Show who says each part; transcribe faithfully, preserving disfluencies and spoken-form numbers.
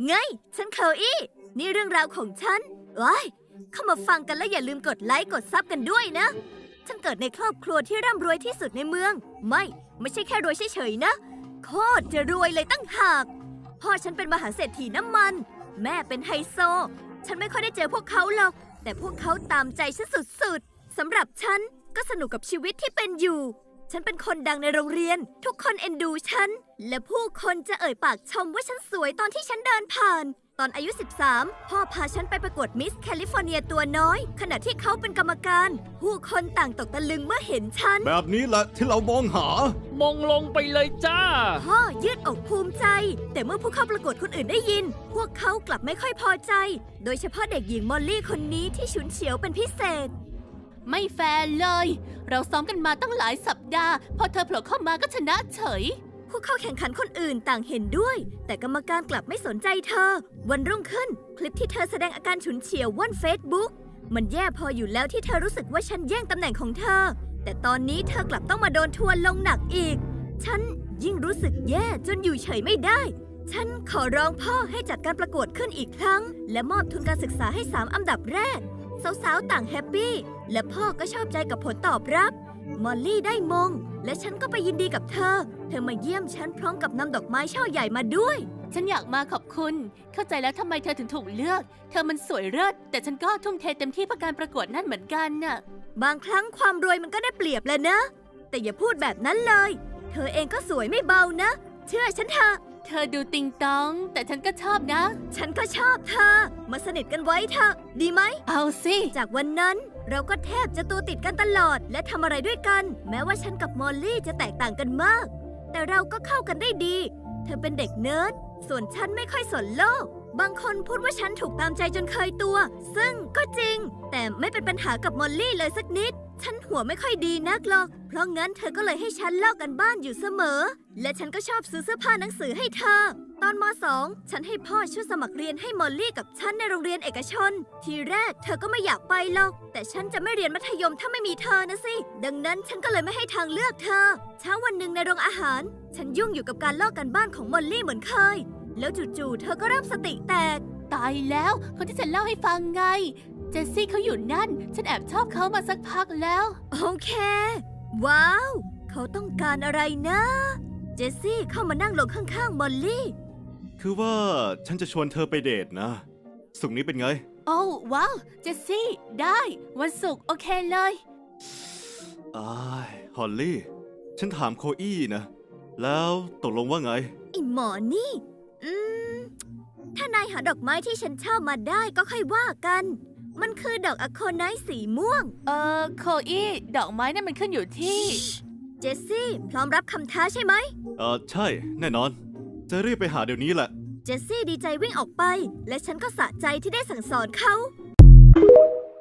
Speaker 1: ไงฉันเคออี้นี่เรื่องราวของฉันว้ายเข้ามาฟังกันแล้วอย่าลืมกดไลค์กดซับกันด้วยนะฉันเกิดในครอบครัวที่ร่ำรวยที่สุดในเมืองไม่ไม่ใช่แค่รวยเฉยๆนะโคตรจะรวยเลยตั้งหากพ่อฉันเป็นมหาเศรษฐีน้ำมันแม่เป็นไฮโซฉันไม่ค่อยได้เจอพวกเขาหรอกแต่พวกเขาตามใจฉันสุดๆสำหรับฉันก็สนุกกับชีวิตที่เป็นอยู่ฉันเป็นคนดังในโรงเรียนทุกคนเอ็นดูฉันและผู้คนจะเอ่ยปากชมว่าฉันสวยตอนที่ฉันเดินผ่านตอนอายุสิบสามพ่อพาฉันไปประกวดมิสแคลิฟอร์เนียตัวน้อยขณะที่เขาเป็นกรรมการผู้คนต่างตกตะลึงเมื่อเห็นฉัน
Speaker 2: แบบนี้แหละที่เรามองหาม
Speaker 3: องลงไปเลยจ้า
Speaker 1: พ่อยืดอกภูมิใจแต่เมื่อผู้เข้าประกวดคนอื่นได้ยินพวกเขากลับไม่ค่อยพอใจโดยเฉพาะเด็กหญิงมอลลี่คนนี้ที่ฉุนเฉียวเป็นพิเศษ
Speaker 4: ไม่แฟร์เลยเราซ้อมกันมาตั้งหลายสัปดาห์พอเธอโผล่เข้ามาก็ชนะเฉย
Speaker 1: ผู้เข้าแข่งขันคนอื่นต่างเห็นด้วยแต่กรรมการกลับไม่สนใจเธอวันรุ่งขึ้นคลิปที่เธอแสดงอาการฉุนเฉียวว่อนเฟซบุ๊กมันแย่พออยู่แล้วที่เธอรู้สึกว่าฉันแย่งตำแหน่งของเธอแต่ตอนนี้เธอกลับต้องมาโดนทัวร์ลงหนักอีกฉันยิ่งรู้สึกแย่จนอยู่เฉยไม่ได้ฉันขอร้องพ่อให้จัดการประกวดขึ้นอีกครั้งและมอบทุนการศึกษาให้สามอันดับแรกสาวๆต่างแฮปปี้และพ่อก็ชอบใจกับผลตอบรับมอลลี่ได้มงและฉันก็ไปยินดีกับเธอเธอมาเยี่ยมฉันพร้อมกับนำดอกไม้ช่อใหญ่มาด้วย
Speaker 4: ฉันอยากมาขอบคุณเข้าใจแล้วทำไมเธอถึงถูกเลือกเธอมันสวยเลิศแต่ฉันก็ทุ่มเทเต็มที่เพื่อการประกวดนั่นเหมือนกันน่ะ
Speaker 1: บางครั้งความรวยมันก็ได้เปรียบแหละนะแต่อย่าพูดแบบนั้นเลยเธอเองก็สวยไม่เบานะเชื่อฉันเถอะ
Speaker 4: เธอดูติงตองแต่ฉันก็ชอบนะ
Speaker 1: ฉันก็ชอบเธอมาสนิทกันไว้เถอะดีไหม
Speaker 4: เอาสิ
Speaker 1: จากวันนั้นเราก็แทบจะตัวติดกันตลอดและทำอะไรด้วยกันแม้ว่าฉันกับมอลลี่จะแตกต่างกันมากแต่เราก็เข้ากันได้ดีเธอเป็นเด็กเนิร์ดส่วนฉันไม่ค่อยสนโลกบางคนพูดว่าฉันถูกตามใจจนเคยตัวซึ่งก็จริงแต่ไม่เป็นปัญหากับมอลลี่เลยสักนิดฉันหัวไม่ค่อยดีนักหรอกเพราะงั้นเธอก็เลยให้ฉันลอกกันบ้านอยู่เสมอและฉันก็ชอบซื้อเสื้อผ้าหนังสือให้เธอตอนม.สอง ฉันให้พ่อช่วยสมัครเรียนให้มอลลี่กับฉันในโรงเรียนเอกชนทีแรกเธอก็ไม่อยากไปหรอกแต่ฉันจะไม่เรียนมัธยมถ้าไม่มีเธอนะสิดังนั้นฉันก็เลยไม่ให้ทางเลือกเธอเช้าวันหนึ่งในโรงอาหารฉันยุ่งอยู่กับการลอกกันบ้านของมอลลี่เหมือนเคยแล้วจู่ๆเธอก็เริ่มสติแตก
Speaker 4: ตายแล้วคนที่ฉันเล่าให้ฟังไงเจสซี่เขาอยู่นั่นฉันแอบชอบเขามาสักพักแล้ว
Speaker 1: โอเคว้าวเขาต้องการอะไรนะเจสซี่เข้ามานั่งลงข้างๆมอลลี่
Speaker 2: คือว่าฉันจะชวนเธอไปเดทนะศุกร์นี้เป็นไง
Speaker 4: โอ้ว้าวเจสซี่ได้วันศุกร์โอเคเลย
Speaker 2: อ้ายฮอลลี่ฉันถามโคอี้นะแล้วตกลงว่าไง
Speaker 1: ไอหมอนี่อืมถ้านายหาดอกไม้ที่ฉันชอบมาได้ก็ค่อยว่ากันมันคือดอกอะโคไนท์สีม่วง
Speaker 4: เอ่อโคอี้ดอกไม้นั่นมันขึ้นอยู่ที่
Speaker 1: เจสซี่พร้อมรับคำท้าใช่ไหม
Speaker 2: เออใช่แน่นอนจะรีบไปหาเดี๋ยวนี้แหละ
Speaker 1: เจสซี่ดีใจวิ่งออกไปและฉันก็สะใจที่ได้สั่งสอนเขา